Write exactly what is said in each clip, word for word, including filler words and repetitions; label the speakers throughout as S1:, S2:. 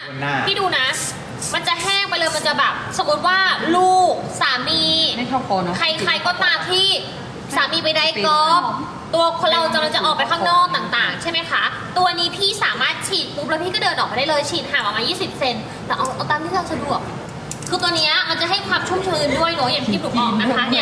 S1: พี่ดูนะ มันจะแห้งไปเลยมันจะแบบสมมติว่าลูกสามี
S2: ไม่เข้าคอเนาะ
S1: ใครๆก็ตามที่สามีไปได้กอล์ฟตัวคนเราจะจะออกไปข้างนอกต่างๆ ใช่ไหมคะ ตัวนี้พี่สามารถฉีดปุ๊บแล้วพี่ก็เดินออกไปได้เลยฉีดห่างออกมายี่สิบเซนแต่เอาเอาตามที่เราสะดวกคือตัวเนี้ยมันจะให้ความชุ่มชื้นด้วยเนาะอย่างที่พี่บอกนะคะเนี่ย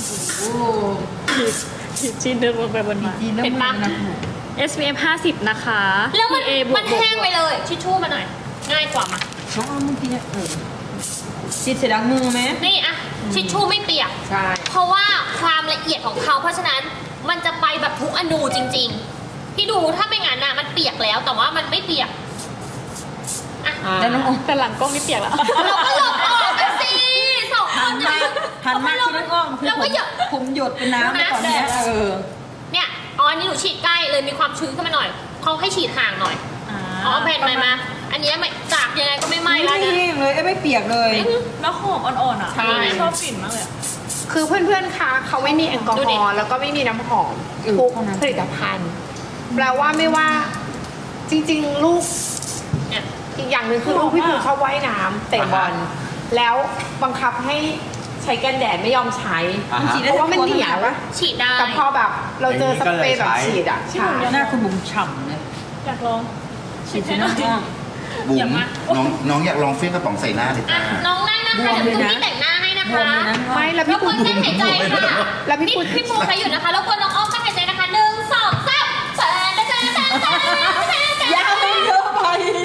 S3: จีนเดินลงไปบนมา
S2: เห็นปะ
S3: เอส พี เอฟ ห้าสิบนะคะ
S1: แล้วมัน
S3: พี เอ บว
S1: มั
S3: ก
S1: น
S3: บวก
S1: แห้งไปเลยทิชชู่มาหน่อย ง่ายกว่ามา
S2: น้องเอาเมื่อกี้เนี่ยเออฉีดเสร็จล้างมือไหม
S1: นี่อะทิชชู่ไม่เปียก
S2: ใช่
S1: เพราะว่าความละเอียดของเขาเพราะฉะนั้นมันจะไปแบบทุกอนูจริงๆพี่ดูถ้าไม่งั้นน่ะมันเปียกแล้วแต่ว่ามันไม่เปียกอ่ะ
S2: แล้วน้องออม
S3: แต่หลังกล้องนี่เปียกแล้ว
S1: เราก็หลบออกกันสิสองค
S2: หั
S1: น
S2: นมาหันมาที่น้องอ้อมคือ
S1: เรา
S2: ผ
S1: ก็
S2: ม
S1: หยด
S2: ผมหยดเป็นน้ำไปก่อนเนี้ยเออ
S1: เนี่ยอ๋ออันนี้หนูฉีดใกล้เลยมีความชื้นขึ้นมาหน่อยเขาให้ฉีดห่างหน่อยอ๋อแผ่นใหม่มา อันเนี้ยไม่จากยังไงก็ไม่ไหม้
S2: ไม่
S1: แล้ว
S2: แห้
S1: นะ
S2: งเลยเอ้ยไม่เปียกเลย
S3: แล้วหอมอ่อนๆอ่ะ
S1: ใช่
S3: ชอบกลิ่นมากเลยอะ
S4: คือเพื่อนๆ คะเขาไม่มีแอลกอ
S1: ดู
S4: ฮ
S1: ดิ
S4: อล์แล้วก็ไม่มีน้ำหอม
S2: อืม
S4: ทุก
S2: เท่านั้น
S4: ผลิตภัณฑ์ แปลว่าไม่ว่าจริงๆ ลูก
S1: เนี่ย
S4: อีกอย่างหนึ่งคือลูกพี่ปูชอบว่ายน้ำเตะบอลแล้วบังคับให้ใช้กันแดดไม่ยอมใช้
S5: อ่า
S2: มัน
S5: ฮะ
S2: ฉีด
S4: เพ
S2: ได้
S4: ราะว่ามันเหนียว
S2: ปะ
S1: ฉีดได้
S4: แต่พอแบบเราเจอสเปรย์แบบ
S5: อย่างนี้ก็เลยใช้
S4: ฉีดอ่ะใช่
S2: หน้าคุณบุ๋มฉ่ำเลย
S3: อยากลอง
S2: ฉีดที่หน้าอ้อม
S5: บุ๋
S1: อย่าม มา
S5: น้องน้องอยากลองเฟี้ยงกระป๋องใส่หน้าเลย
S1: อ่ะ
S5: จ้า
S1: น้องนั่งนะคะ
S2: บวม
S1: เดี๋ยว
S2: เลย
S1: ดู
S2: นะ
S1: พี่แต่งหน้าให้นะ
S2: บว
S1: คะ
S2: มเลยนะ
S4: ไม่แล้ว
S1: ร
S4: พี่
S1: บก
S4: ปู
S1: วนกั้นหายใจค่ะ
S4: แล้วพี่
S1: พี่
S4: ปู
S1: พี่ปูใครอยู่นะคะรบกวนน้องอ้อมกั้นหายใจนะคะหนึ่งสองสามเปิดนะคะ
S2: ยาวไม่เยอะไป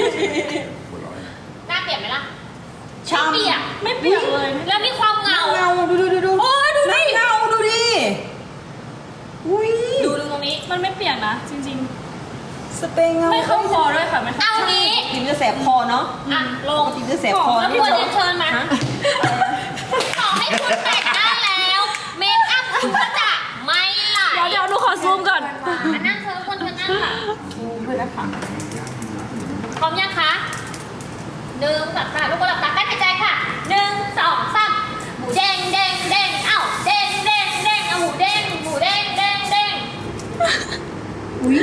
S1: หน้าเปลี่ยนไหมล่ะ
S2: ฉ่ำ
S1: ไม่เปียก
S3: ไม่เปียกเลย
S1: แล้วมีความเงา
S2: เงาดูดูดูดู
S1: โอ้ยดูดิ
S2: เงาดูดิอุ้ย
S1: ดูดูตรงนี้
S3: มันไม่เปียกนะ จริง
S2: สเปรย์เงา
S3: ๆ ไม่เข้าคอด้วยค่ะ ไม่เข้า
S1: เอางี้
S2: กินจะแสบคอเนาะ
S1: อ่ะล
S2: ป
S1: ง
S2: กติจะแสบคอ
S1: แล้วควรเรียนเชิญมา
S2: ฮะ
S1: ขอให้คุณแต่งหน้าแล้ว เมคอัพคุณก็จะไม่ไหล
S3: เดี๋ยวเดี๋ยวดูขอซูมก่อน
S1: อันนั่งเธอคนเธอนั่งค่ะ
S2: ด้วยนะคะ
S1: พร้อมยังคะหนึ่งสองสามลูกคนหลับตากั้นหายใจค่ะหนึ่งสองสามหมูเด้งเด้งเด้งเอ้าเด้งเด้งเด้งเอาหมูเด้งหมูเด้งเด้งเด้ง
S2: อุ้ย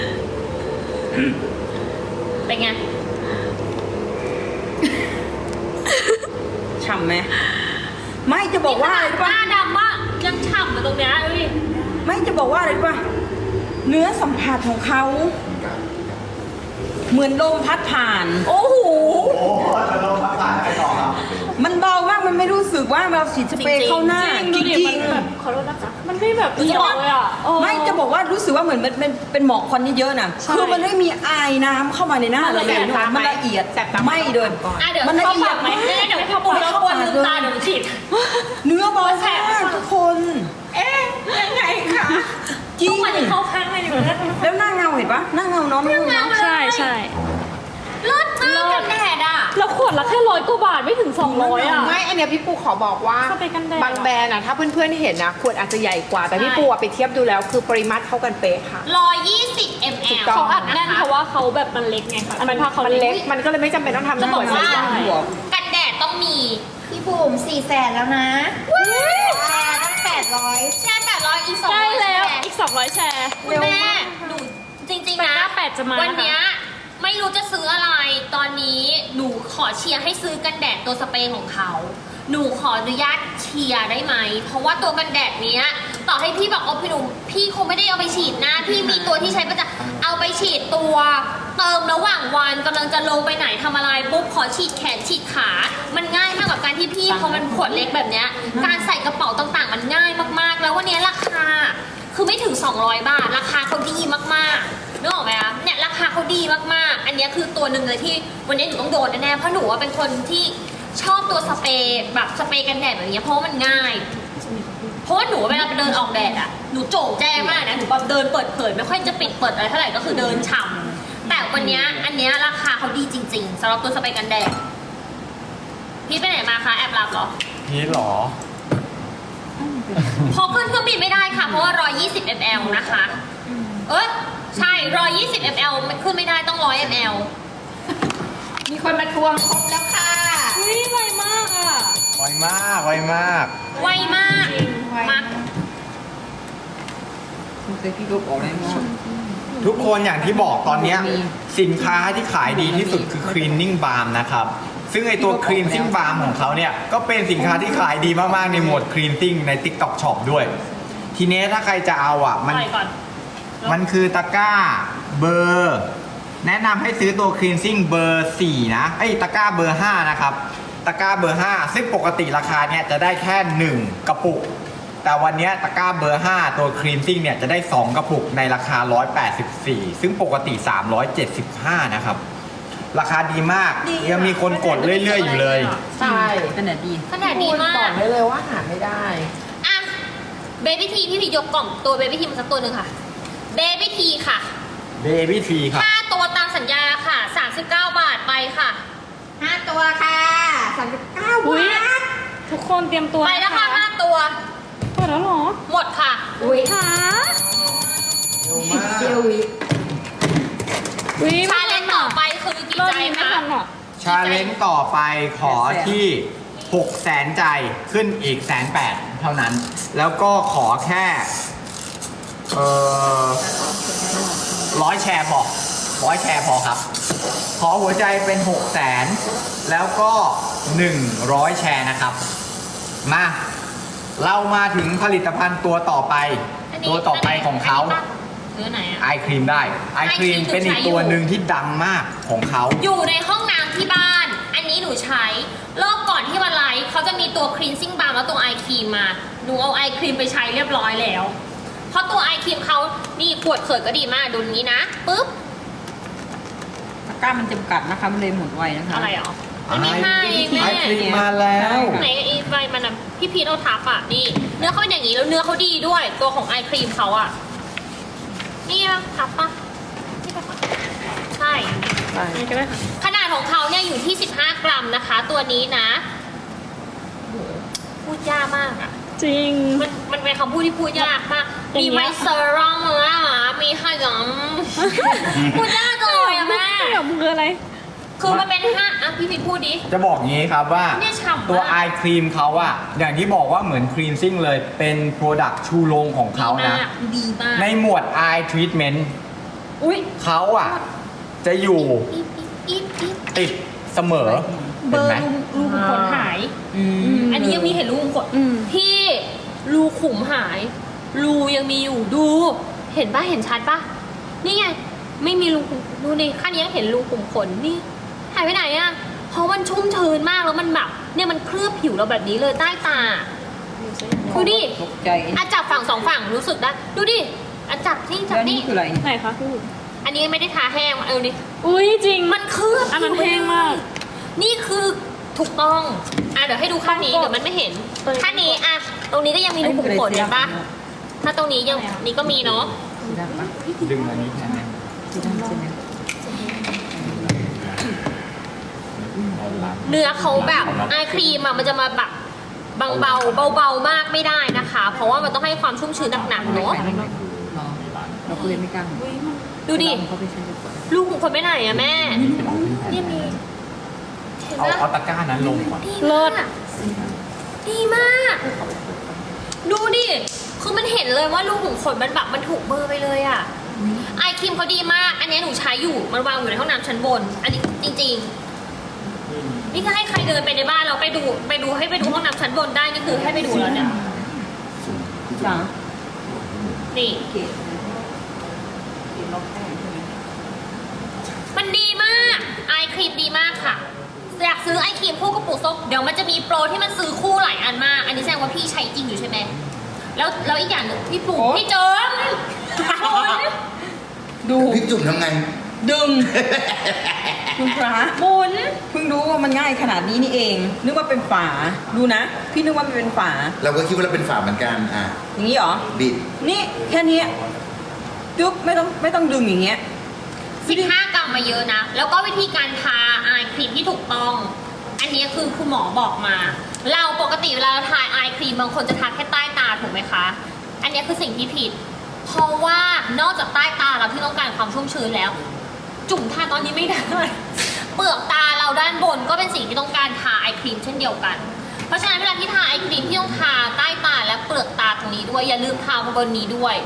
S1: เป็นไง
S2: ฉ่ำไหมไม่จะบอกว่าอะไรรู้
S1: ห
S2: ป่ะ
S1: น้าดำมากยังฉ่ำอยู่ตรงเนี้ยดูดิ
S2: ไม่จะบอกว่าอะไรรู้ป่ะเนื้อสัมผัสของเขา เหมือนลมพัดผ่าน
S1: โอ้โห
S5: โอ้จะลองมาผ่านไปต่อครับ
S2: มันเบามากมันไม่รู้สึกว่าเราฉีดสเปรย์เข้าหน้า
S3: จ
S2: จ
S3: ริงๆดูดิ
S2: ริ
S3: มั
S2: ง
S3: นแบบขอโทษนะคะ มันไม่แบบเอียงเลยอ่ะเออ
S2: ๆไม่จะบอกว่ารู้สึกว่าเหมือนมันเป็นเป็นหมอกควันเยอะๆน่ะ
S3: ใช่
S2: คือมันไม่มีอายน้ำเข้ามาในหน้าเราเลย
S4: มันละเอียดตามไหม
S2: มันละเอียด
S4: แสบตาไหม
S2: ไม่เดิน
S1: อ่ะเดี๋ยว
S2: มันละ
S1: เข้า
S2: เอีย
S1: ปา
S2: ด
S1: กไหมเดี๋ยวเข้าปากแล้วควรลืมตาเดี๋ยวฉีด
S2: เนื้อเบามากทุกคน
S4: เอ๊ะยังไงคะ
S2: จริง
S1: ทุกวันนี้เข้าข้างเลยอยู่นะ
S2: แล้วหน้าเงาเห็นปะหน้าเงาเนาะไม่รู้เนาะ
S3: ใช่ใช่
S1: เลิศมากกันแดดอ่ะ
S3: แล้วขวดละแค่ร้อยกว่าบาทไม่ถึงสองร้อยอ่ะ
S4: ไม่อันเนี้ยพี่ปูขอบอกว่า
S3: สเปรย์กันแดด
S4: บางแบรนด์อะถ้าเพื่อนๆเห็นนะขวดอาจจะใหญ่กว่า แต่พี่ปูอะไปเทียบดูแล้วคือปริมาตรเท่ากันเป๊ะค่ะ
S1: ร้อยยี่สิบมล
S4: ถูกต้
S3: เขา
S4: ง
S3: อัดแน่นเพราะว่าเขาแบบมันเล็กไงคะอัน
S4: มั
S3: นั้น นผ้าเขา
S4: มัน
S3: เล็
S4: เล็
S3: ก
S4: กมันก็เลยไม่จำเป็นต้องทำ
S1: จะบอกว่า
S4: ขด
S2: หัว
S1: กันแดดต้องมี
S6: พี่บุ๋มสี่แสนแล้วนะแชร์ตั้งแปดร้อย
S1: แค่แปดร้อยอีกสอง
S3: ใกล้
S1: ร้อย
S3: แล้ว
S1: แชร์
S3: อีกสองร้อยแชร์
S1: คุณแม่หนูจริงๆนะ
S3: แปดห้าแปดจะมา
S1: วันเนี้ยไม่รู้จะซื้ออะไร ตอนนี้หนูขอเชียร์ให้ซื้อกันแดดตัวสเปรย์ของเขา หนูขออนุญาตเชียร์ได้ไหม เพราะว่าตัวกันแดดเนี้ย ต่อให้พี่บอกเอาพี่หนุ่มพี่คงไม่ได้เอาไปฉีดหน้าพี่มีตัวที่ใช้ประจำเอาไปฉีดตัว เติมระหว่างวันกำลังจะลงไปไหนทำอะไรปุ๊บขอฉีดแขนฉีดขา มันง่ายมากกว่าการที่พี่พอมันขวดเล็กแบบเนี้ย การใส่กระเป๋าต่างๆ มันง่ายมากๆ แล้ววันเนี้ยราคา คือไม่ถึง สองร้อย บาท ราคาเขาดีมากๆนึกออกไหมคะเนี่ยราคาเขาดีมากๆ อันเนี้ยคือตัวหนึ่งเลยที่วันนี้หนูต้องโดนแน่ๆ เพราะหนูว่าเป็นคนที่ชอบตัวสเปรย์แบบสเปรย์กันแดดแบบนี้เพราะว่ามันง่าย เพราะว่าหนูเวลาไปเดินออกแดดอ่ะ หนูโจ่งแจ้งมากนะ หนูแบบเดินเปิดเผยไม่ค่อยจะปิดเปิดอะไรเท่าไหร่ก็คือเดินฉ่ำแต่วันเนี้ยอันเนี้ยราคาเขาดีจริงๆสำหรับตัวสเปรย์กันแดด พี่ไปไหนมาคะแอบหลับเหรอ
S5: พีทหรอ
S1: พอขึ้นเครื่องบินไม่ได้ค่ะ เพราะว่าหนึ่งร้อยยี่สิบมิลลิลิตร นะคะ เอ้ยใช่หนึ่งร้อยยี่สิบมิลลิลิตร มันขึ้นไม่ได้ต้องหนึ่งร้อยมิลลิลิตร
S4: มีคนมาทวงครบแล้วค่ะ
S3: อุ้ยไวมากอ่ะ
S5: ไวมาก ไวมาก
S1: ไวมาก
S4: ไว
S1: มา
S2: คุณเคยพี่ลบออกได้มั้ง
S3: หนู
S5: ทุกคนอย่างที่บอกตอนเนี้ยสินค้าที่ขายดีที่สุดคือ cleaning balm นะครับ ซึ่งไอตัว cleansing balm ของเขาเนี่ย ก็เป็นสินค้าที่ขายดีมาก ๆ ในโหมด cleansing ใน TikTok Shop ด้วย ทีนี้ถ้าใครจะเอาอ่ะ มัน
S1: ไปก่อน
S5: มันคือตะกร้าเบอร์ แนะนำให้ซื้อตัว cleansing เบอร์ สี่ นะไอ้ยตะกร้าเบอร์ ห้า นะครับ ตะกร้าเบอร์ ห้า ซึ่งปกติราคาเนี่ยจะได้แค่ หนึ่ง กระปุก แต่วันนี้ตะกร้าเบอร์ ห้า ตัว cleansing เนี่ยจะได้ สอง กระปุกในราคา หนึ่งร้อยแปดสิบสี่ ซึ่งปกติ สามร้อยเจ็ดสิบห้า นะครับ ราคาดีมาก
S1: ดีอะ
S5: ยังมีคนกดเรื่อย ๆ อยู่เลย
S4: ใช่
S2: กันแดดดี
S1: ขนาดดีมา
S4: บอก กได้เลยว่าหาไม่ได้
S1: อ่ะเบบี้ทีพี่พียกกล่องตัวเบบี้ทีมาสักตัวหนึ่งค่ะเบบี้ทีค่ะ
S5: Baby T ครับ
S1: ค่าตัวตามสัญญาค่ะสามสิบเก้าบาทไปค่ะ
S6: ห้าตัวค่ะสามสิบเก้า
S3: อุ๊ย
S6: บาท
S3: ทุกคนเตรียมตัว
S1: ไปแล้วค่ะห้าตัว
S3: เปิดแล้วเหรอ
S1: หมดค่ะ
S6: อุ้ย
S3: ค่ะ
S5: เร็วมาก
S6: เซียววิ
S3: อุ๊ย
S1: ชาเลนจ์ต่อไปคือกี่
S3: รอบ
S1: ใจ
S3: นี้ไม่
S1: คะ
S3: ทันอ่ะ
S5: ชาเลนจ์ต่อไปขอที่หกแสนใจขึ้นอีกแสนแปดเท่านั้น แล้วก็ขอแค่เอ่อร้อยแชร์พอร้อยแชร์พอครับ ขอหัวใจเป็นหกแสนแล้วก็หนึ่งร้อยแชร์นะครับ มา เรามาถึงผลิตภัณฑ์ตัวต่อไป
S1: อันนี้
S5: ตัวต่อไปของเขา
S1: นนี้ปะหรือไหนอะ
S5: ไอครีมได้ไอครีม
S1: Eye Cream
S5: เป็นอีกตัวหนึ่งที่ดังมากของเขา
S1: อยู่ในห้องน้ำที่บ้าน อันนี้หนูใช้ รอบก่อนที่มาไลฟ์เขาจะมีตัว cleansing balm แล้วตัวไอครีมมา หนูเอาไอครีมไปใช้เรียบร้อยแล้ว เพราะตัวไอครีมเขานี่ขวดเขิดก็ดีมาก ดูนี้นะ ปึ๊บ
S2: ตะกร้ามันจำกัดนะคะ มันเลยหมดไวนะคะ
S1: อะไรอ่ะมันมีห้าเองแม่
S5: ไอครีมมาแล้ว
S1: ไหนไอ้ใบมันอะพี่พีทเอาทับอ่ะ นี่ เนื้อเขาเป็นอย่างนี้แล้วเนื้อเขาดีด้วย ตัวของไอครีมเขาอ่ะ นี่ปะทับปะนี่ปะใช่
S3: นี่ก็ได้ค่ะ
S1: ขนาดของเขาเนี่ยอยู่ที่ สิบห้ากรัมนะคะ ตัวนี้นะโหพูดยากมากอะ
S3: จริง
S1: มันมันเป็นคำพูดที่พูดยากมาก
S3: อย่าง
S1: มี
S3: เงี้ย
S1: ไมเซอร์รองแล้วมีขยำ พูดยากเลยอะแม่
S3: ขยำคืออะไร
S1: คือมันเป็นห้าอ่ะพี่พิดพูดดิ
S5: จะบอกงี้ครับว่า
S1: เนี่ยฉ่ำมาก
S5: ตัวไอครีมเขาอะอย่างที่บอกว่าเหมือนครีมซิ่งเลยเป็นโปรดักชูโรงของเขานะ
S1: ดีมาก
S5: ในหมวด Eye Treatment
S1: อุ้ย
S5: เขาอะจะอยู่
S1: อีฟอีฟอีฟ
S5: ติดเสมอ
S1: เบ
S5: เห็
S1: อน
S5: ไหม
S1: ร์รูรูขุมขนหาย
S2: อืม
S1: อันนี้ยังมีเห็นรูขุมขน
S3: อืม
S1: พี่รูขุมหาย รูยังมีอยู่ดู เห็นปะเห็นชัดปะนี่ไง ไม่มีรูขุมดูนี่ข้างนี้ยังเห็นรูขุมขนนี่หายไปไหนอะเพราะมันชุ่มชื้นมากแล้วมันแบบเนี่ยมันเคลือบผิวเราแบบนี้เลยใต้ตาดูดิ
S2: ตกใจ
S1: อาจับฝั่งสองฝั่งรู้สึกได้ดูดิอาจับที่จับ
S2: แล้วนี่
S1: นี่
S2: คืออะไร
S3: ไหนคะพี่
S1: อันนี้ไม่ได้ทาแห้งเออนี่
S3: อุ้ยจริง
S1: มันเคลือบ
S3: อันนั้น
S1: ผิว
S3: แห้งมาก
S1: นี่คือถูกต้องอ่ะเดี๋ยวให้ดูข้างนี้เดี๋ยวมันไม่เห็นข้างนี้อ่ะตรงนี้ก็ยังมีรูขุมขนเห็นปะถ้าตรงนี้ยังนี่ก็มีเนาะ
S2: สีดำปะ
S5: ดึงอันนี้แทนไหม
S2: สีดำใช่ไหม
S1: เนื้อเขาแบบไอครีมอ่ะมันจะมาแบบบางเบาเบาๆมากไม่ได้นะคะ เพราะว่ามันต้องให้ความชุ่มชื้นหนักๆเนาะ
S2: เราก็เลยไม่กล้า
S1: ดูดิ
S2: เขาไปใช้ดีกว่า
S1: ลูกของคนไปไหนอะแม่เนี่ยมีเห็น
S5: เอา
S1: ปะ
S5: เอาตะกร้านั้นลงก่อน
S1: ดีมากดีมาก ดูดิ คือมันเห็นเลยว่าลูกขุมขนมันแบบมันถูกเบอร์ไปเลยอะไอครีมเขาดีมาก อันนี้หนูใช้อยู่ มันวางอยู่ในห้องน้ำชั้นบน อันนี้จริงๆ นี่ก็ให้ใครเดินไปในบ้านเราไปดูไปดูให้ไปดูห้องน้ำชั้นบนได้นี่คือให้ไปดูแล้วเนี่ย
S2: จ้า
S1: นี่
S2: เกศเกศล็อกแป้งใช่ไหม
S1: มันดีมากไอครีมดีมากค่ะ อยากซื้อไอครีมคู่กระปุกส้มเดี๋ยวมันจะมีโปรที่มันซื้อคู่หลายอันมาก อันนี้แสดงว่าพี่ใช้จริงอยู่ใช่ไหม แล้วแล้วอีกอย่างหนึ่งพี่ปู่พี่เจิม
S2: ดู
S5: พี่จุ่มทำไง
S2: ดึง คุณพระ
S1: หมุน
S2: เพิ่งรู้ว่ามันง่ายขนาดนี้นี่เอง นึกว่าเป็นฝา ดูนะ พี่นึกว่ามันเป็นฝา
S5: เราก็คิดว่าเราเป็นฝาเหมือนกันอ่ะ
S2: อย่างนี้เหรอ
S5: บิด
S2: นี่แค่นี้จุ๊บไม่ต้องไม่ต้องดึงอย่างเงี้ย
S1: สิบห้ากรัมมาเยอะนะ แล้วก็วิธีการทาไอครีมที่ถูกต้อง อันนี้คือคุณหมอบอกมา เราปกติเวลาเราทาไอครีมบางคนจะทาแค่ใต้ตาถูกไหมคะ อันนี้คือสิ่งที่ผิด เพราะว่านอกจากใต้ตาเราที่ต้องการความชุ่มชื้นแล้ว จุ่มทาตอนนี้ไม่ได้ เปลือกตาเราด้านบนก็เป็นสิ่งที่ต้องการทาไอครีมเช่นเดียวกัน เพราะฉะนั้นเวลาที่ทาไอครีมที่ต้องทาใต้ตาและเปลือกตาตรงนี้ด้วยอย่าลืมทาบนนี้ด้วย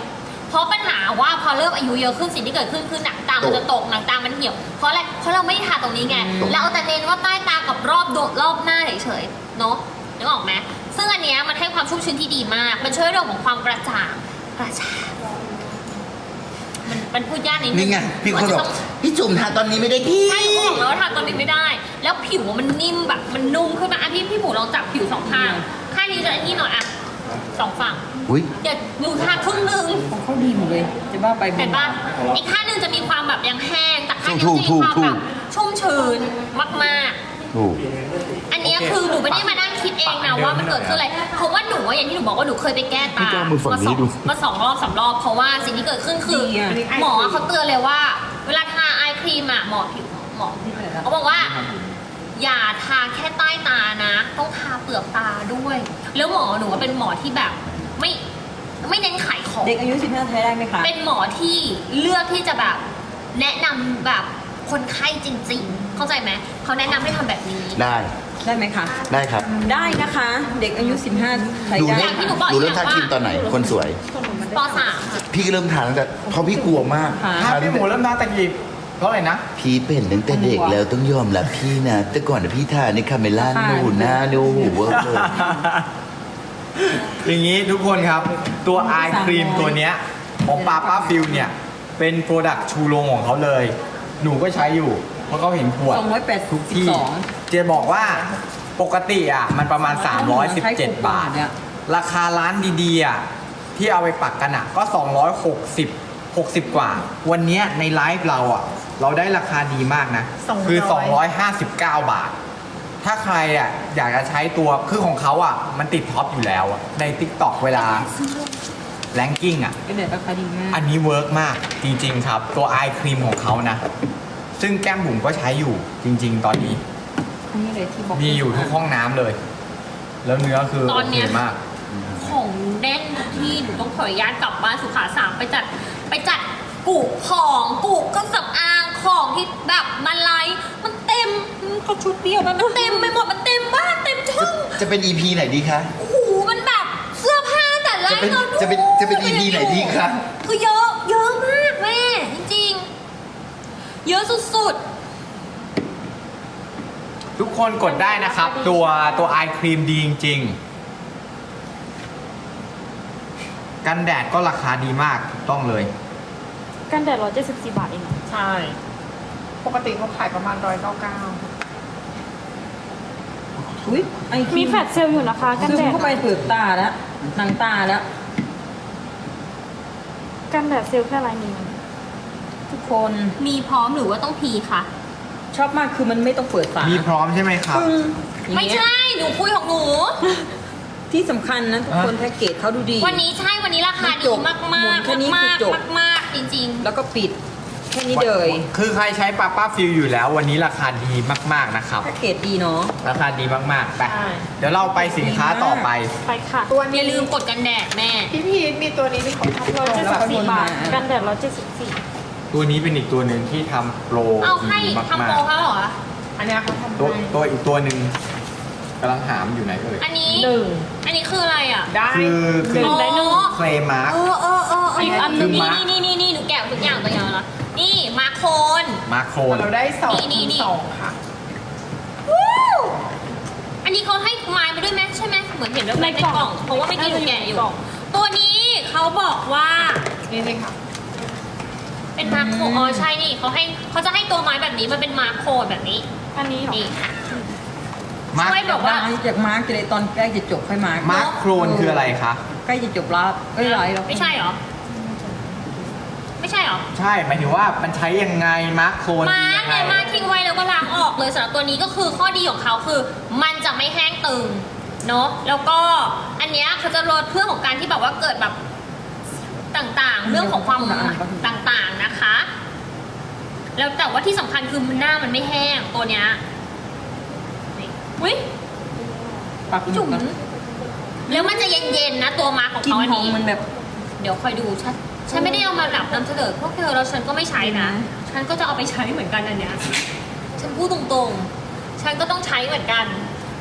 S1: เพราะปัญหาว่าพอเริ่มอายุเยอะขึ้นสิ่งที่เกิดขึ้นคือหนังตามันจะตกหนังตามันเหี่ยวเพราะอะไรเพราะเราไม่ได้ทาตรงนี้ไงเราเอาแต่เน้นว่าใต้ตากับรอบดวงรอบหน้าเฉยๆเนาะนึกออกไหมซึ่งอันเนี้ยมันให้ความชุ่มชื้นที่ดีมาก มันช่วยเรื่องของความกระจ่างกระจ่างมันมันพูดยากนิดนึง
S7: นี่ไงพี่คนบอกพี่จุ่มทาตอนนี้ไม่ได้พี่
S1: ใช่เขาบอกแล้วว่าทาตอนนี้ไม่ได้ แล้วผิวมันนิ่มแบบมันนุ่มขึ้นมาอ่ะพี่พี่หมูลองจับผิวสองข้างข้างนี้จะอันนี้หน่อยอ่ะสองฝั่ง
S7: อุ้ย
S1: เดี๋ยวหนูทาครึ่งหนึง
S2: ของเขาดีหมดเลย จะบ้าไป
S1: เห็นปะอีกข้างหนึงจะมีความแบบยังแห้งแต่ข้างนี้จะมีความแบบชุ่มชื้นมากๆ
S7: ถูก
S1: อันเนี้ยคือหนูไม่ได้มานั่งคิดเองนะว่ามันเกิดขึ้นอะไรเพราะว่าหนูว่าอย่างที่หนูบอกว่าหนูเคยไปแก้ตามาสองมาสองรอบสามรอบเพราะว่าสิ่งที่เกิดขึ้นคือหมอเขาเตือนเลยว่า เวลาทาไอครีมอะหมอผิวหมอเขาบอกว่า อย่าทาแค่ใต้ตานะ ต้องทาเปลือกตาด้วย แล้วหมอหนูว่าเป็นหมอที่แบบไม่ไม่เน้นขายของ
S2: เด็กอายุสิบห้าใช้ได้ไหมคะ
S1: เป็นหมอที่เลือกที่จะแบบแนะนำแบบคนไข้จริง ๆ เข้าใจไหมเขาแนะนำให้ทำแบบนี้
S7: ได้
S2: ได้ไหมคะ
S7: ได้ครับ
S2: ได้นะคะ เด็กอายุสิบห้าใช้
S7: ดู
S2: ได้
S7: เริ่ม
S1: อย่างที่หนูบอก
S7: ดูเริ่มทาครีมตอนไหน คนสวย
S1: ปสาม
S7: พี่ก็เริ่มทาตั้งแต่เพราะพี่กลัวมาก
S5: ถ้า
S7: ทา
S5: พี่
S7: ตั้ง
S5: หมู
S7: แต่
S5: เริ่มทาตะกี้เพราะอะไรนะ
S7: พี่เป็นตั้งแต่เด็กแล้วต้องยอมรับพี่นะ แต่ก่อนนะพี่ทาในคาเมล่าหนูหน้าหนูหูเวอร์เลย
S5: อย่างนี้ทุกคนครับ ตัวไอครีมตัวเนี้ยของปาป้าฟิลเนี่ย เป็นโปรดักต์ชูโรงของเขาเลย หนูก็ใช้อยู่ เพราะเขาเห็นขวด
S2: สองร้อยแปด
S5: ทุก
S2: สิบ
S5: ที่
S2: สอง
S5: เจบอกว่าปกติอ่ะ มันประมาณ สามร้อยสิบเจ็ด บาท
S2: เนี่ย
S5: ราคาร้านดีๆอ่ะที่เอาไปปักกันอ่ะ ก็ สองร้อยหกสิบ หกสิบ กว่า วันเนี้ยในไลฟ์เราอ่ะ เราได้ราคาดีมากนะ คือ สองร้อยห้าสิบเก้า บาท ถ้าใครอ่ะอยากจะใช้ตัวคือของเขาอ่ะ มันติดท็อปอยู่แล้วอะใน TikTok เวลาแรงกิ้งอ่ะ
S2: ก็เด็ดราคาดีมาก
S5: อันนี้เวิร์กมากจริงๆครับ ตัวไอครีมของเขานะ ซึ่งแก้มบุ๋มก็ใช้อยู่จริง ๆ ตอนนี้
S2: อันนี้เลยที่บอก
S5: มีอยู่ทุกห้องน้ำเลย แล้วเนื้อคือ
S1: ต
S5: โอ
S1: อน
S5: เค
S1: เนี้ย
S5: มาก
S1: ของแน่นทุกที่หนูต้องขออนุญาตกลับบ้านสุขาสามไปจัดไปจัดกุของกุเครื่องสำอางของที่แบบมันไลฟ์มันเต็มก็ชุดเดียวมันเต็มไปหมดมันเต็มบ้านเต็มช่อง
S7: จะเป็น อี พี ไหนดีคะ
S1: โอ้โหมันแบบเสื้อผ้าแต่ไลฟ์
S7: จะเป็นจะเป็นจะเป็น อี พี ไหนดีคะ
S1: คือเยอะเยอะมากแม่จริงๆ เยอะสุดๆ
S5: ทุกคนกดได้นะครับ ตัวตัวไอครีมดีจริง ๆ กันแดดก็ราคาดีมากถูกต้องเลย
S3: กันแดดร้อยเจ็ดสิบสี่บาทเองเหรอ
S4: ใช่ ปกติเขาขายประมาณร้อยเก้าเก้า
S2: อุ้ยไอ้
S3: มีแฟลชเซลล์อยู่นะคะ กัน
S2: ซึม
S3: แดด
S2: เข้าไปเปลือกตาแล้วหนังตาแล้ว
S3: กันแดดเซลล์แค่ลายนิ้ว
S2: ทุกคน
S1: มีพร้อมหรือว่าต้องพีคะ
S2: ชอบมากคือมันไม่ต้องเปิดฝา
S5: มีพร้อมใช่ไหมครับ
S2: ปึ้งอย่าง
S1: ไม่
S2: เงี้ย
S1: ใช่ หนูคุยของหนู
S2: ที่สำคัญนะทุกคนแพ็กเกจเขาดูดี
S1: วันนี้ใช่ วันนี้ราคา
S2: มัน
S1: ดี
S2: จบ
S1: มาก
S2: หมุ
S1: มาก
S2: นแค่นี้
S1: มาก
S2: คือจบ
S1: มากมากๆจริง
S2: แล้วก็ปิด แค่นี้เลย
S5: คือใครใช้ปาป้าฟิลอยู่แล้ว วันนี้ราคาดีมากๆนะครับ
S2: แพ็กเกจดีเนาะ
S5: ราคาดีมากๆไป
S4: ใช่
S5: เดี๋ยวเราไปสินค้าต่อไป
S3: ไปค่ะ
S4: ตัว
S1: ๆ อ
S4: นี้
S1: ย่าลืมกดกันแดดแม่
S4: พี่พีทมีตัวนี้เป็นของทัพโล
S3: ร้อย
S4: ก
S3: เจ็ด
S2: แล้
S3: สิ
S2: ว
S3: บ
S2: ก็
S3: สี่
S2: วน
S3: บาท
S2: มา
S3: กันแดดร้อยเจ็ดสิบสี่
S5: ตัวนี้เป็นอีกตัวหนึ่งที่ทำโปร
S1: เอาให้
S5: ดี
S1: ทำ
S5: มา
S1: โปร
S5: ก
S1: เขาเหรอ
S4: อันเนี้ยเขาทำ
S5: ๆตัว
S4: ให้
S5: ตัวอีกตัวหนึ่งกำลังหามอยู่ไหนเอ่ย
S1: อันนี้
S4: หนึ่ง
S1: อันนี้คืออะไรอ่ะ
S4: ได้
S5: คือคือ
S3: หนึ่งได้หนึ่ง
S5: เคลมาร์ค
S1: เออเออเออเออ
S3: อีกอันหนึ่ง
S1: นี่นี่นี่นี่หนูแกะทุกอย่างตัวอย่างแล้วนี่มาโคน
S5: มาโครน
S4: เราได้สอง
S1: นี่นี่
S4: สองค่ะ
S1: วู้อันนี้เขาให้ไม้มาด้วยไหมใช่ไหมเหมือนเห็นแล้วในกล่อง เพราะว่าไม่อกี้หนูแกะอยู่ ตัวนี้เขาบอกว่า
S4: นี่นี่ค่ะ
S1: เป็นมาโครอ๋อใช่นี่เขาให้เขาจะให้ตัวไม้แบบนี้มันเป็นมาโครแบบนี้
S3: อันนี้เหรอ
S1: นี่ค่ะ
S5: มาร์ค
S1: ช่วยบอกว่า
S2: จากมาร์กจะเลยตอนใกล้จะจบค่อยมาร์ก
S5: มาร์คโครนคืออะไรคะ
S2: ใกล้จะจบรอบเอ้ยไรแล้ว
S1: ไม่ใช่เหรอ ไม่ใช่เหรอ
S5: ใช่หมายถึงว่ามันใช้ยังไงมาร์คโครน
S1: มา
S5: ยังไง
S1: เนี่ยมาทิ้งไว้แล้วก็ล้างออกเลยสำหรับตัวนี้ก็คือข้อดีของเขาคือ มันจะไม่แห้งตึงเนาะแล้วก็อันเนี้ยเขาจะลดเพื่อของการที่แบบว่าเกิดแบบต่างๆ เรื่องของความต่างๆนะคะ แล้วแต่ว่าที่สำคัญคือหน้ามันไม่แห้งตัวเนี้ยนี่อุ้ย
S2: ปักจุ่
S1: จุ๋
S2: ม
S1: มแล้วมันจะเย็นๆนะตัวมาของ
S2: กลิน
S1: เขาอัน
S2: หอม
S1: นี้
S2: มันแบบ
S1: เดี๋ยวคอยดูฉันฉันไม่ได้เอามาหลับนำเสนอพวกเธอแล้วฉันก็ไม่ใช้นะ ฉันก็จะเอาไปใช้เหมือนกันอันเนี้ย ฉันพูดตรงๆ ฉันก็ต้องใช้เหมือนกัน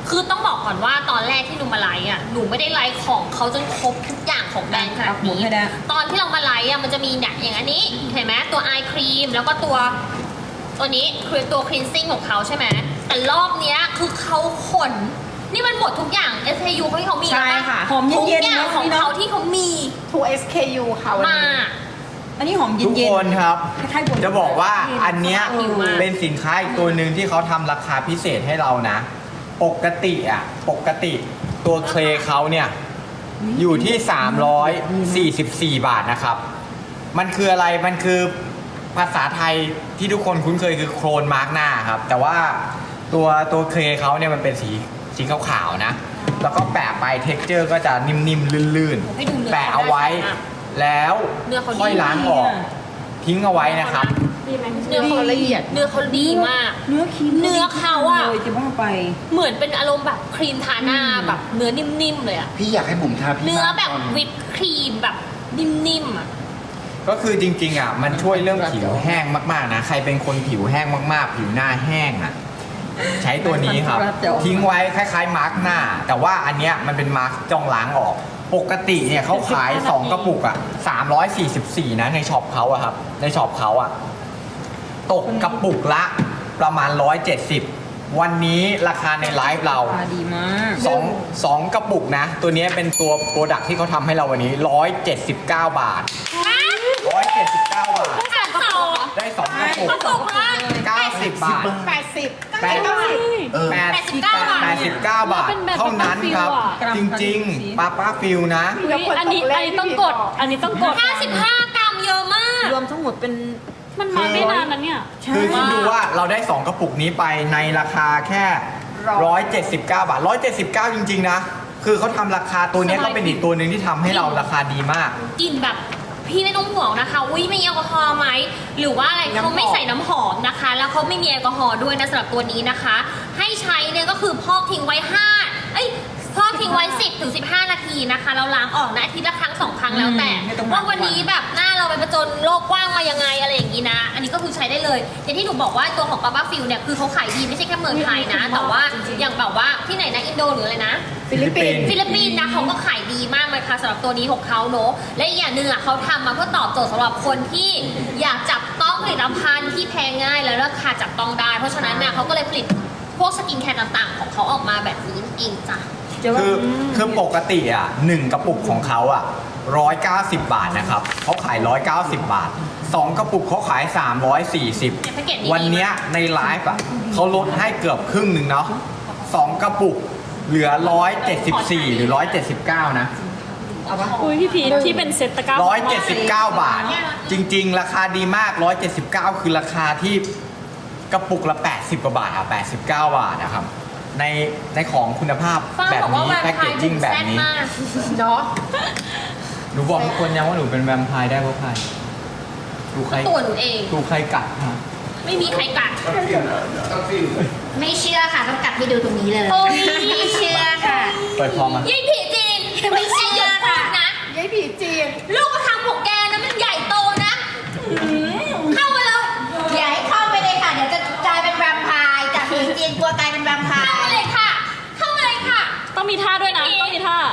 S1: คือต้องบอกก่อนว่าตอนแรกที่หนูมาไลฟ์อ่ะหนูไม่ได้ไลฟ์ของเขาจนครบทุกอย่างของแบรนด์ขนาด
S2: เอาหมุน
S1: นี้
S2: ให้ได้
S1: ตอนที่เรามาไลฟ์อ่ะมันจะมีเนี่ยอย่างอันนี้เห็นไหมตัวไอครีมแล้วก็ตัวตัวนี้คือตัวคลีนซิ่งของเขาใช่ไหมแต่รอบเนี้ยคือเขาขนนี่มันหมดทุกอย่าง เอส เค ยู เขาที่เขามี
S4: ใช่
S1: แล้วป
S4: ค่ะ
S2: หอม
S1: ทุก
S2: เย็น
S1: อ
S2: ๆ
S1: ย่าง
S2: เนาะ
S1: ของ
S2: พี่เนาะ
S1: เขาที่เขามี
S4: ทู เอส เค ยู ค่ะวัน
S1: มา
S4: นี้
S2: อันนี้หอมเย็
S5: ทุ
S2: น
S5: ก
S2: เย็น
S5: คนครับ
S2: คล้ายๆบน
S5: จะบอกว่าอันเนี้ย
S1: ผิวมาก
S5: เป็นสินค้าอีกตัวหนึ่งที่เขาทำราคาพิเศษให้เรานะ ปกติอ่ะ ปกติตัวเคลเขาเนี่ยอยู่ที่ สามร้อยสี่สิบสี่ บาทนะครับ มันคืออะไร มันคือภาษาไทยที่ทุกคนคุ้นเคยคือโครนมาร์กหน้าครับ แต่ว่าตัวตัวเคลเขาเนี่ยมันเป็นสีสีขาวๆนะ แล้วก็แปะไปเท็กเจอร์ก็จะนิ่มๆลื่น
S1: ให้ดูเนื้อ
S5: ๆ แปะเอาไว้ แล้ว
S1: เนื้อเขาดี
S5: ค่อยล้างออก ทิ้งเอาไว้นะครับ
S3: ดีไหม
S1: เนื้อเขาละเอียดเนื้อเขาดีมาก
S2: เนื้อครีม
S1: เนื้อเขาอะ
S2: เลยจะว่าไป
S1: เหมือนเป็นอารมณ์แบบครีมทาหน้าแบบเนื้อนิ่มๆเลยอะ
S7: พี่อยากให้บุ๋มทาพี่
S1: เนื้อ
S7: บ้าง
S1: แบบ
S7: ตอน
S1: วิปครีมแบบนิ่มๆอะ
S5: ก็คือจริงๆอ่ะมันช่วยเรื่องผิวแห้งมากๆนะใครเป็นคนผิวแห้งมากๆ ผิวหน้าแห้งอ่ะใช้ตัวนี้ครับ ทิ้งไว้คล้ายๆมาร์กหน้า แต่ว่าอันเนี้ยมันเป็นมาร์กจ้องล้างออก ปกติเนี่ยเขาขาย สอง กระปุกอ่ะสามร้อยสี่สิบสี่นะในช็อปเขาอะครับในช็อปเขาอะตกกระปุกละประมาณหนึ่งร้อยเจ็ดสิบวันนี้ราคาในไลฟ์เรา
S2: ตาดีมาก
S5: สองสองกระปุกนะ ตัวนี้เป็นตัวโปรดักที่เขาทำให้เราวันนี้หนึ่งร้อยเจ็ดสิบเก้าบาทหนึ่งร้อยเจ็ดสิบเก้าบาท
S1: สองสอง
S5: ได้สองกระปุก
S1: กระปุกละ
S5: เก้าสิบบาท
S4: แปดสิบ
S5: แปด
S4: เก้าสิบ
S7: เออ
S5: แปด
S1: แปดสิบเก้าบาท
S5: แปดสิบเก้าบาท
S3: เป็นแบบ
S5: เท่านั้นครับ
S3: ป้าฟิวอะ
S5: จริงๆป้าป้าฟิลนะ
S3: อุ๊ยอันนี้อันนี้ต้องกด อันนี้ต้องกด
S1: ห้าสิบห้ากรัมเยอะมาก
S2: รวมทั้งหมดเป็น
S3: มันมาไม่นานนะเนี่ย
S5: คือคิดดูว่าเราได้สองกระปุกนี้ไปในราคาแค่หนึ่งร้อยเจ็ดสิบเก้าบาทหนึ่งร้อยเจ็ดสิบเก้าจริงๆนะคือเขาทำราคาตัวเนี้ยก็เป็นอีกตัวหนึ่งที่ทำให้เราราคาดีมาก
S1: กลิ่นแบบพี่ไม่ต้องห่วงนะคะอุ้ยไม่มีแอลกอฮอล์ไหมหรือว่าอะไรเขาไม่ใส่น้ำหอมนะคะ แล้วเขาไม่มีแอลกอฮอล์ด้วยนะสำหรับตัวนี้นะคะ ให้ใช้เนี่ยก็คือพอกทิ้งไว้ห้าเอ้ยพอกทิ้งไว้สิบถึงสิบห้านาทีนะคะเราล้างออกนะอาทิตย์ละครั้งสองครั้งแล้วแต่
S2: อืมไม่ต้อง
S1: ว่าวันนี้แบบหน้าเราไปผจญโลกกว้างมายังไงอะไรอย่างนี้นะ อันนี้ก็คือใช้ได้เลยอย่างที่หนูบอกว่าตัวของปาป้าฟิลเนี่ยคือเขาขายดีไม่ใช่แค่เมืองไทยนะ แต่ว่าอย่างแบบว่าที่ไหนนะอินโดหรืออะไรนะ
S4: ฟิลิปปินส์
S1: ฟิลิปปินส์นะเขาก็ขายดีมากเลยค่ะสำหรับตัวนี้ของเขาเนอะและอีกอย่างหนึ่งอ่ะเขาทำมาเพื่อตอบโจทย์สำหรับคนที่อยากจับต้องผลิตภัณฑ์ที่แพงง่ายและราคาจับต้องได้ เพราะฉะนั้นเนี่ยเขาก็เลยผลิตพวกสกินแคร์ต่างๆ ของเขาออกมาแบบนี้เองจ้ะ
S2: จะว่า
S5: คือคือปกติอ่ะหนึ่งกระปุกของเขาอ่ะร้อยเก้าสิบบาทนะครับเขาขายร้อยเก้าสิบบาทสองกระปุกเขาขายสามร้อยสี่สิบ
S1: เนี่ยแพ็กเกจนี้
S5: วันเนี้ยในไลฟ์อ่ะเขาลดให้เกือบครึ่งหนึ่งเนาะสองกระปุกเหลือร้อยเจ็ดสิบสี่หรือร้อยเจ็ดสิบเก้านะ
S3: อุ้ยพี่พีทที่เป็นเซ็ตตะกร้า
S5: ร้อยเจ็ดสิบเก้าบาท จริง ๆ ราคาดีมากร้อยเจ็ดสิบเก้าคือราคาที่กระปุกละแปดสิบกว่าบาทอ่ะแปดสิบเก้าบาทนะครับในในของคุณภาพ
S1: ฟ้า
S5: แบบ
S1: บอกว่า
S5: นี้
S1: แวม
S5: แพ็ก
S1: ไพ
S5: เกจ
S1: ร์
S5: จิ้งแบบ
S1: แซ่บ
S5: นี้
S1: มาก
S4: เนาะ
S5: หนูบอกทุกคนยังว่าหนูเป็นแวมไพร์ได้เพราะใครถูกใคร
S1: ตัวหนูเอง
S5: ถูกใครกัดฮะ
S1: ไม่มีใครกัด
S6: ไม่เชื่อค่ะ ต้องกลับให้ดูตรงนี้เลย
S1: โอ้ย
S6: ไม่เชื่อค่ะ
S5: เปิดพอมา
S1: ยี่ผีจีนไม่เชื่อค่ะนะ
S4: ยายผีจีน
S1: ลูกกระทำของแกนะมันใหญ่โตนะเข้ามาเลย
S6: อย่าให้เข้าไปเลยค่ะ เดี๋ยวจะกลายเป็นแวมไพร์จากผีจีนกลัวกลายเป็นแวมไพ
S1: เข้า
S6: ร์
S1: มาเลยค่ะ เข้ามาเลยค่ะ
S3: ต้องมีท่าด้วยนะ ต้องมีท่า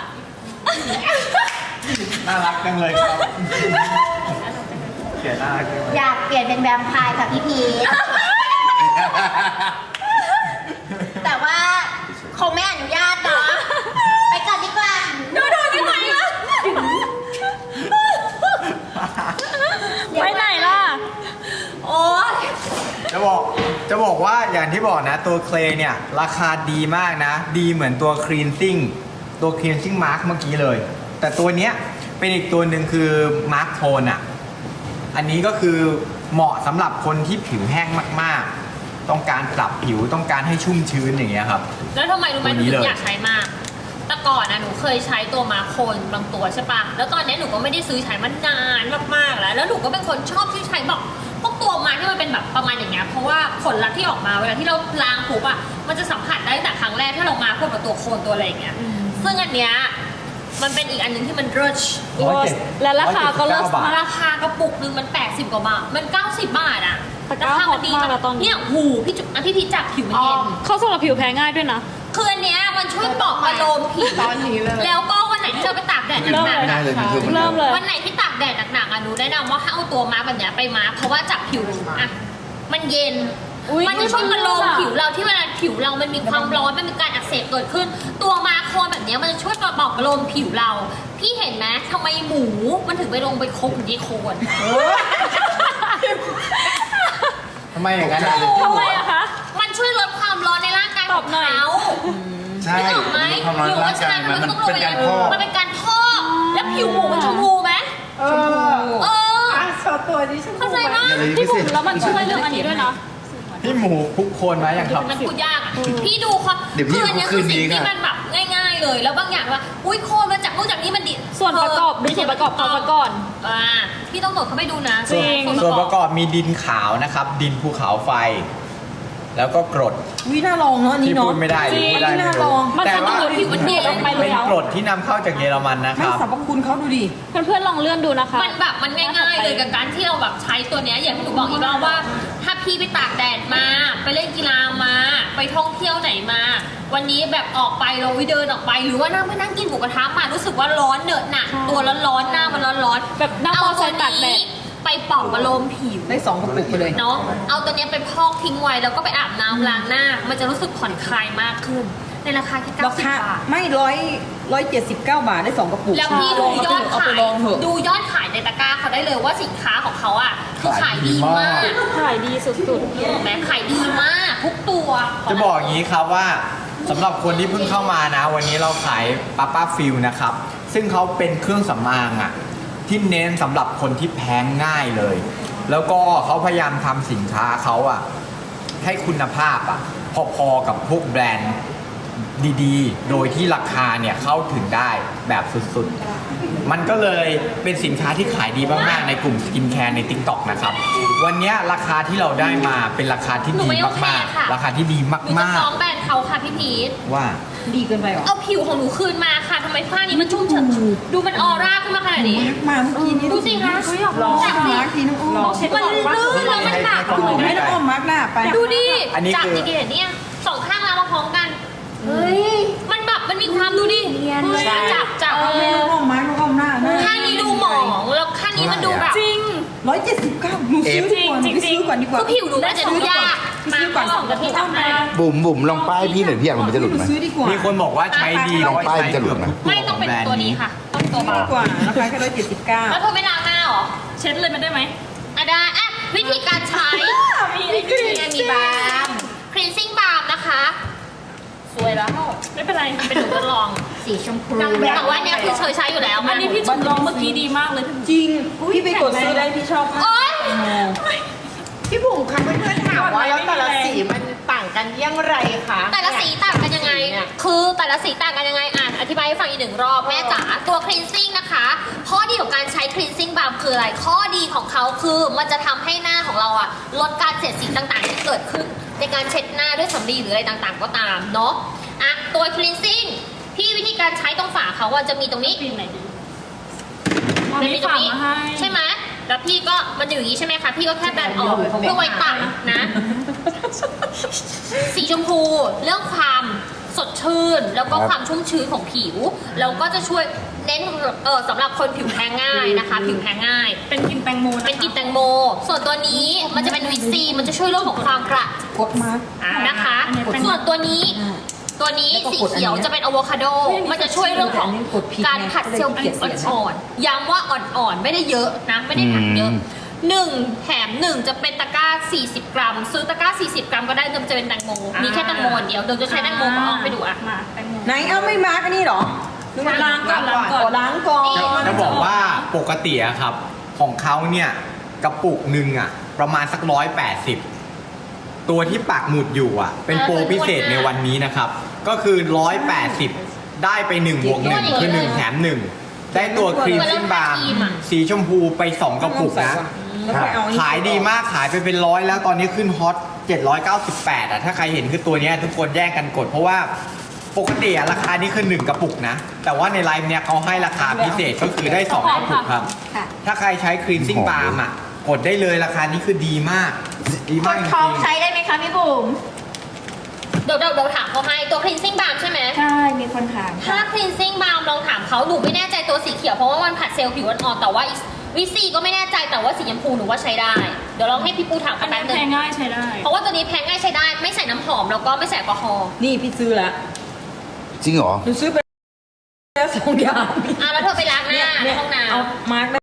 S5: น่ารักจังเลยครับเสียน่ารักจังเลย
S6: อยากเปลี่ยนเป็นแวมไพร์ค่ะพี่พีชแต่ว่าคงไม่อนุญาตเนาะไปก่อนดีกว่า
S1: ดูดูได้ไหมวะ
S3: ไปไหนล่ะ
S1: โอ้ย
S5: จะบอกจะบอกว่าอย่างที่บอกนะตัวเคลเนี่ย ราคาดีมากนะ ดีเหมือนตัวคลีนซิ่งตัวคลีนซิ่งมาร์กเมื่อกี้เลย แต่ตัวเนี้ยเป็นอีกตัวหนึ่งคือมาร์กโทนอ่ะ อันนี้ก็คือเหมาะสำหรับคนที่ผิวแห้งมากๆ ต้องการปรับผิวต้องการให้ชุ่มชื้นอย่างเงี้ยครับ
S1: แล้วทำไมรู้ไหมห
S5: ตัวนี้
S1: นูถึ
S5: เลย
S1: งอยากใช้มาก แต่ก่อนนะหนูเคยใช้ตัวมาโคนบางตัวใช่ปะแล้วตอนนี้หนูก็ไม่ได้ซื้อใช้มานานมากๆแล้ว แล้วหนูก็เป็นคนชอบที่ใช้แบบพวกตัวมาที่มันเป็นแบบประมาณอย่างเงี้ย เพราะว่าผลลัพธ์ที่ออกมาเวลาที่เราล้างปุ๊บอะมันจะสัมผัสได้ตั้งแต่ครั้งแรกที่เรามาพวกกับตัวโคนตัวอะไรอย่างเงี้ย ซึ่งอันเนี้ยมันเป็นอีกอันหนึงที่มันเริช
S3: และราคาก็เลิศ
S5: บาท
S1: ราคากระปุกหนึงมันแปดสิบกว่าบาท มันเก้าสิบบาทอะ
S3: ตะกร้า
S1: ราคามันดี
S3: ฮอตมากแล้วตอนนี้
S1: เนี่ยหูพี่จุ๊บอ่ะพี่พีชจับผิวมันเย็น
S3: เขาสำหรับผิวแพ้ง่ายด้วยนะ
S1: คืออันเนี้ยมันช่วยปลอบประโลมผิว
S4: ตอนนี้เลย
S1: แล้วก็วันไหนที่เราไปตากแดด
S3: เริ่ม
S1: หนัก
S3: เลย
S1: ๆ
S7: ได้
S1: อะ
S7: เลยพี่คือมัน
S3: เริ่มเลย
S1: วันไหนที่ตากแดดหนักๆอ่ะหนูแนะนำว่าให้เอาตัวมาร์กแบบเนี้ยไปมาร์กเพราะว่าจากผิวอ่ะมันเย็น
S3: อุ๊ย
S1: มันจะช่วยประโลม
S3: มันเลิศอะ
S1: ผิวเราที่เวลาผิวเรามันมีความร้อนมันมีการอักเสบเกิดขึ้น ตัวมาร์คโคนแบบเนี้ยมันจะช่วยปลอบประโลมผิวเรา พี่เห็นไหมทำไมหมูมันถึงไปลงไปคบอยู่ที่โคน
S5: ทำไมอย่างนั้นอะ
S3: ทำไมอะคะ
S1: มันช่วยลดความร้อนในร่างกาย
S3: ต
S1: ข
S3: อ
S1: อบ ง
S3: หน่อย
S1: เขา
S5: ใช่
S1: นึกออกไหม
S5: ความร้อน
S1: หรือ
S5: ร่า
S1: ว่าง
S5: กาย
S1: ชา
S5: มัน
S1: มัน
S5: มัน
S1: ต้องลง
S5: เป็น
S1: ไป
S5: การพอก
S1: มันเป็นการพอกแล้วผิวหมูมันชมพูไหม
S4: เออ
S1: เออ
S4: อ่ะโชว์ตัวดิฉัน
S1: เข้าใจปะ
S7: อย่าเลย
S3: พี่
S7: พี่
S3: บุ๋
S7: สิ
S3: มแล้วมันช่วยเรื่องอันนี้ด้วยนะ
S5: พี่หมูคลุกโคลนมาอย่างครับ
S1: มันพูดยากอ่ะ พี่ดูความ
S7: เดี๋ยวพี่
S1: คืออันเนี้ยคือสิ่ง
S7: คืนนี้
S1: ที่
S7: ค่ะ
S1: มันแบบง่าย ๆ เลย แล้วบางอย่างว่า อุ้ยโคนมาจากนู่นจากนี่มันดี
S3: ส่วนประกอบดูส่วนประกอบเขาซะก่อน
S1: อ่าพี่ต้องโดดเข้าไปดูนะ
S3: จริง
S5: ส่วนประกอบมีดินขาวนะครับ ดินภูเขาไฟ แล้วก็กรด
S2: วิน่าลองเนาะอัน
S5: ที่
S2: นี้เนาะ
S5: พูดไม่ได้หรือพูดได้
S2: จริง
S5: ไม่
S2: น่าล
S5: รู้
S2: อง
S3: มัน
S5: แต่
S3: จะต้อ
S5: ว่าง
S3: ดูผิวมันเดีลงไปเล
S5: เป็น
S3: ยแล้ว
S5: กรดที่นำเข้าจากเยอรมันนะค
S2: ไม่
S5: รับ
S2: สรรพคุณเขาดูดิ
S3: เพื่อนๆลองเลื่อนดูนะคะ
S1: มันแบบมันง่ายๆเลยกับการที่เราแบบใช้ตัวเนี้ยอย่างที่หนูบอกอีกรอบว่า ถ้าพี่ไปตากแดดมา ไปเล่นกีฬามา ไปท่องเที่ยวไหนมา วันนี้แบบออกไปเราไปเดินออกไป หรือว่านั่งไปนั่งกินหมูกระทะมารู้สึกว่าร้อนเหนอะหนัก
S3: ใช่
S1: ตัวร้อนๆหน้ามันร้อนๆ
S3: แบบนั่ง
S1: เอา
S3: มอเตอร์ไซ
S1: ตัว
S3: ค์ตากแด
S1: นี้
S3: ด
S1: ไปปลอบประโลมผิว
S2: ได้สองกระปุกไปเลย
S1: เนาะ เอาตัวเนี้ยไปพอกทิ้งไว้แล้วก็ไปอาบน้ำล้างหน้า มันจะรู้สึกผ่อนคลายมากขึ้น ในราคาแค่เก้า
S2: รา
S1: สิบ
S2: คา
S1: บาท
S2: ไม่ร้อยร้อยเจ็ดสิบเก้าบาทได้สองกระปุก
S1: แล้วพี่
S2: ล
S1: ดู
S2: อง
S1: ยอด
S2: เอา
S1: ขา
S2: ไป
S1: ย
S2: ลองเถอะ
S1: ดูยอดขายในตะกร้าเขาได้เลยว่าสินค้าของเขาอ่ะคือขายดีมาก
S3: ถ่ายดีสุด
S1: ถูกไหมขายดีมากทุกตัว
S5: จะบอกอย่างนี้ครับว่าสำหรับคนที่เพิ่งเข้ามานะ วันนี้เราขายป้าป้าฟิลนะครับ ซึ่งเขาเป็นเครื่องสำอางอะที่เน้นสำหรับคนที่แพ้ง่ายเลย แล้วก็เขาพยายามทำสินค้าเขาอะให้คุณภาพอะพอๆกับพวกแบรนด์ดีๆ โดยที่ราคาเนี่ยเข้าถึงได้แบบสุดๆ มันก็เลยเป็นสินค้าที่ขายดีมากๆในกลุ่มสกินแคร์ใน ติ๊กต็อก นะครับ วันนี้ราคาที่เราได้มาเป็นราคาที่
S1: หนู
S5: ดี
S1: ไม่โอเค
S5: มาก
S1: ค่ะ
S5: ๆ ราคาที่ดี
S1: หนู
S5: มา
S1: จะ
S5: ก
S1: ฟ้องแบรนด์เขาค่ะพี่พีท
S5: ๆ ว่า
S2: ดีเกินไปเหรอ
S1: เอาผิวของหนูคืนมาค่ะทำไมผ้านี้มันชุ่มฉ่ำดูมันออร่าขึ้นมาขนาดนี้
S2: มาเมื่อกี้นี้
S1: ดูสิคะ
S2: ลอง
S1: จากสิ
S2: มาร์กทีน้องอ้อม
S1: มันลื่นแล้วมันแบบ
S2: ไม่ต้องอ้อมมาร์กหน้าไป
S1: ดูดิ
S5: อันนี้
S1: จาก
S5: คือ
S1: ดีเกตเนี่ยสองข้างแล้วมาพร้อมกัน เฮ้ย มันแบบมันมีความดูดิเฮ้ยจับจับ
S2: เอาไม่ต้องอ้อมมาร์กต้องอ้อมหน้าหน้า
S1: ข้างนี้ดูหมองแล้วข้างนี้มันดูแบบ
S3: ๆ จริง
S2: ร้อยเจ็ดสิบเก้าหนูซื้อดีกว่าหนูไปซื้อก่อนดีกว่า
S1: คือผิวหนูมันจะดูยาก
S2: ซื้อก่อน
S1: มาสองกับพี่ทำมา
S7: บุ๋มบุ๋มลองป้ายพี่หน่อยพี่อยากรู้มันจะหลุดไหม
S2: ซื้อดีกว่า
S5: มีคนบอกว่าใช้ดี
S7: ลอง
S5: ร้อย
S7: ป้าย
S5: ใช้
S7: มันจะหลุ
S5: เกือ
S7: ด
S5: บ
S7: ไหม
S5: ทุกตัว
S1: ไม่
S5: ข
S1: ต้
S5: อ
S1: อง
S5: ง
S1: เป็น
S5: แบรนด์
S1: ตัวนี้
S5: นี้
S1: ค่ะต้องตัว
S2: ดี
S1: เบาก
S2: ว่าราคาแค่ร้อยเจ็ดสิบเก้า
S1: แล้วเธอไม่ล้างหน้าเหรอ
S3: เช็ดเลยมันได้ไหม
S1: อ่ะได้อ่ะวิธีการใช้
S3: มีไอ้กรีน
S1: มีบาล์ม cleansing balm นะคะ สวยแล้ว
S3: ไม่เป็นไร
S1: เป็นหนูทดลอง
S6: สีชมพู
S1: แต่ว่าเนี่ยคือเคยใช้อยู่แล้ว
S3: อันนี้พี่จุ๋มลองเมื่อกี้ดีมากเลย
S2: จริง พี่ไปกดซื้อได้พี่ชอบมาก
S1: โอ๊ย
S4: พี่บุ๋มคะเพื่อนๆถามว่าแล้วแต่ละสีมันต่างกันอย่างไรคะ
S1: แต่ละสีต่างกันยังไง คือแต่ละสีต่างกันยังไงอ่ะอธิบายให้ฟังอีกหนึ่งรอบแม่จ๋า ตัว cleansing นะคะ ข้อดีของการใช้ cleansing balm คืออะไร ข้อดีของเขาคือมันจะทำให้หน้าของเราอ่ะลดการเสียดสีต่างๆที่เกิดขึ้น ในการเช็ดหน้าด้วยสำลีหรืออะไรต่างๆ ก็ตามเนาะ อ่ะตัว cleansing พี่วิธีการใช้ตรงฝาเขาอ่ะจะมีตรงนี้
S3: กรีนไหนดี
S1: มันมีตรงนี้
S3: ฝากมาให้
S1: ใช่ไหม แล้วพี่ก็มันอยู่อย่างนี้ใช่ไหมคะ พี่ก็แค่แบนออกเพื่อไว้ตักนะ สีชมพูเรื่องความสดชื่น แล้วก็
S7: ครับ
S1: ความชุ่มชื้นของผิว แล้วก็จะช่วยเน้นเออสำหรับคนผิวแพ้ง่ายนะคะ ผิวแพ้ง่าย
S3: เป็นกลินแตงโมนะคะ
S1: เป็นกลิ่นแตงโม ส่วนตัวนี้มันจะเป็นวิตซีมันจะช่วยเรื่องของความกระ
S2: กดมาร์ก
S1: นะคะ
S3: อันนี้เป็น
S1: ส่วนตัวนี้ ตัวนี้
S2: แล้วก็
S1: สี
S2: กดอัน
S1: เขียว
S2: เนี้ย
S1: จะเป็นอะโวคาโด มันจะช่วยเรื่องของ
S2: กดผิดไง
S1: การผัดเซลล์ผิว
S2: ก็เลยเกลียดสี
S1: อ่อนๆ ย้ำว่าอ่อนๆ ไม่ได้เยอะนะ ไม่ได้ผัดเยอะ
S7: อืม
S1: หนึ่งแถมหนึ่งจะเป็นตะกร้า สี่สิบ กรัม ซื้อตะกร้า สี่สิบ กรัมก็ได้เดิมจะเป็นแตงโม มีแค่แตงโมอันเดียวเดิมจะใช้แตงโมมาออกไปดูอ่ะ
S3: มาแตงโม
S2: ไหนเอาไม่มาร์กอันนี้เหรอนึกว่าล้างก่อนล้างก่อนล้างก่อน
S5: จะจะบอกว่าปกติอะครับ ของเขาเนี่ยกระปุกหนึ่งอะประมาณสักร้อยแปดสิบตัวที่ปักหมุดอยู่อะเป็นโปรพิเศษในวันนี้นะครับ ก็คือร้อยแปดสิบได้ไปหนึ่งบวกหนึ่งคือหนึ่งแถมหนึ่งได้ตัวครีมซิ่งบาร์สีชมพูไปสองกระปุกนะ
S2: แล้วไปเอาอันนี้
S5: ขายดีมากขายไปเป็นร้อยแล้วตอนนี้ขึ้นฮอตเจ็ดร้อยเก้าสิบแปดอ่ะถ้าใครเห็นคือตัวเนี้ยทุกคนแย่งกันกด เพราะว่าปกติอะราคานี้คือหนึ่งกระปุกนะ แต่ว่าในไลฟ์เนี้ยเขาให้ราคาพิเศษก็คือได้สองกระปุกครับ ถ้าใครใช้ครีมซิ่งบาร์มอ่ะกดได้เลยราคานี้คือดีมาก ดีมากจ
S6: ท้อง
S5: ริง
S6: ใช้ได้ไหมคะพี่บุ๋ม
S5: ๆ
S1: เดี๋ยวเดี๋ยวเดี๋ยวถามเขาให้ตัว cleansing balm ใช่ไหม
S3: ใช่มีคนถาม
S1: ถ้า cleansing balm ลองถามเขาหนูไม่แน่ใจตัวสีเขียวเพราะว่ามันผัดเซลล์ผิวอ่อนๆแต่ว่าวิซีก็ไม่แน่ใจแต่ว่าสีชมพูหนูว่าใช้ได้ เดี๋ยวลองให้พี่ปูถาม
S3: อั
S1: กัน
S3: น
S1: แป๊
S3: นั้
S1: บ
S3: น
S1: นึ
S3: แพ
S1: ง
S3: งง่ายใช้ได้
S1: เพราะว่าตัวนี้แพงง่ายใช้ได้ไม่ใส่น้ำหอมแล้วก็ไม่ใส่แอลกอฮอล์
S2: นี่พี่ซื้อละ
S7: จริงเหรอ
S2: หนูซื้อไปแล้วสองอย่าง
S1: อ่ะแล้วเธอไปล้างหน้าในห้องน้ำ
S2: เอามาร์ก